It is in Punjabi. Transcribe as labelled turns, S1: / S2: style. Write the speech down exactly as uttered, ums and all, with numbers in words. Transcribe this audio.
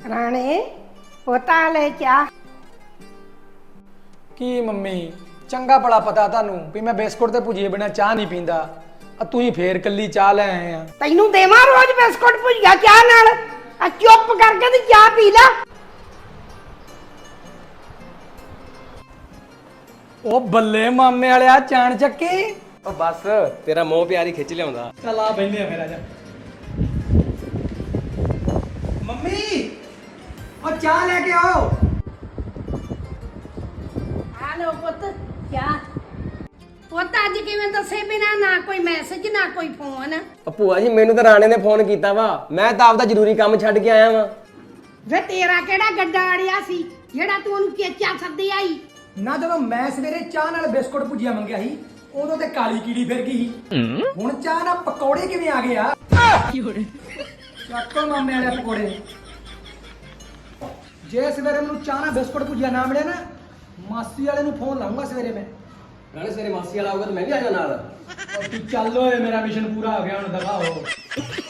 S1: ਰਾਣੇ ਪੋਤਾ ਲੈ ਚਾਹ।
S2: ਕੀ ਮੰਮੀ ਚੰਗਾ ਭਲਾ ਪਤਾ ਤੁਹਾਨੂੰ ਵੀ ਮੈਂ ਬਿਸਕੁਟ ਤੇ ਭੁਜੀਏ ਬਿਨਾ ਚਾਹ ਨਹੀਂ ਪੀਂਦਾ। ਆ ਤੁਸੀਂ ਫੇਰ ਕੱਲੀ ਚਾਹ ਲੈ ਆਏ ਆ।
S1: ਤੈਨੂੰ ਦੇਵਾਂ ਰੋਜ਼ ਬਿਸਕੁਟ ਭੁਜੀਆ ਚਾਹ ਨਾਲ? ਆ ਚੁੱਪ ਕਰਕੇ ਤੇ ਚਾਹ ਪੀ ਲੈ।
S2: ਉਹ ਬੱਲੇ ਮਾਮੇ ਵਾਲਿਆ ਚਾਣ ਚੱਕੀ।
S3: ਉਹ ਬਸ ਤੇਰਾ ਮੋਹ ਪਿਆਰੀ ਖਿੱਚ ਲਿਆਉਂਦਾ।
S2: ਚੱਲ ਆ ਬੈਠੇ ਆ ਮੇਰਾ ਜਾ। ਮੰਮੀ ਉਹ ਚਾਹ ਲੈ ਕੇ ਆਓ।
S1: ਆ ਲੋ ਪੁੱਤ ਚਾਹ। ਪੁੱਤ ਅੱਜ ਕਿਵੇਂ ਦੱਸੇ ਬਿਨਾ ਨਾ ਕੋਈ ਮੈਸੇਜ ਨਾ ਕੋਈ ਫੋਨ।
S3: ਉਹ ਭੂਆ ਜੀ ਮੈਨੂੰ ਤਾਂ ਰਾਣੇ ਨੇ ਫੋਨ ਕੀਤਾ ਵਾ, ਮੈਂ ਤਾਂ ਆਪਦਾ ਜ਼ਰੂਰੀ ਕੰਮ ਛੱਡ ਕੇ ਆਇਆ ਵਾਂ।
S1: ਵੇ ਤੇਰਾ ਕਿਹੜਾ ਗੱਡਾ ਅੜਿਆ ਸੀ ਜਿਹੜਾ ਤੂੰ ਉਹਨੂੰ ਚੇਚਾ ਸੱਦੇ ਆਈ?
S2: ਨਾ ਜਦੋਂ ਮੈਂ ਸਵੇਰੇ ਚਾਹ ਨਾਲ ਬਿਸਕੁਟ ਭੁਜੀਆ ਮੰਗਿਆ ਸੀ ਉਦੋਂ ਤੇ ਕਾਲੀ ਕੀੜੀ ਫਿਰ ਗਈ ਸੀ। ਹੁਣ ਚਾਹ ਨਾਲ ਪਕੌੜੇ ਕਿਵੇਂ ਆ ਗਏ ਆ? ਚੱਕੋ ਮਾਮੇ ਵਾਲੇ ਪਕੌੜੇ। ਜੇ ਸਵੇਰੇ ਮੈਨੂੰ ਚਾਹ ਨਾਲ ਬਿਸਕੁਟ ਭੁਜੀਆ ਨਾ ਮਿਲਿਆ ਨਾ, ਮਾਸੀ ਵਾਲੇ ਨੂੰ ਫੋਨ ਲਾਉਂਗਾ ਸਵੇਰੇ ਮੈਂ।
S3: ਰਾਣੇ ਸਵੇਰੇ ਮਾਸੀ ਵਾਲਾ ਆਊਗਾ ਤਾਂ ਮੈਂ ਵੀ ਆ ਜਾਣਾ ਨਾਲ।
S2: ਤੂੰ ਚੱਲ ਓਏ, ਮੇਰਾ ਮਿਸ਼ਨ ਪੂਰਾ ਹੋ ਗਿਆ ਹੁਣ, ਦਫਾ ਹੋ।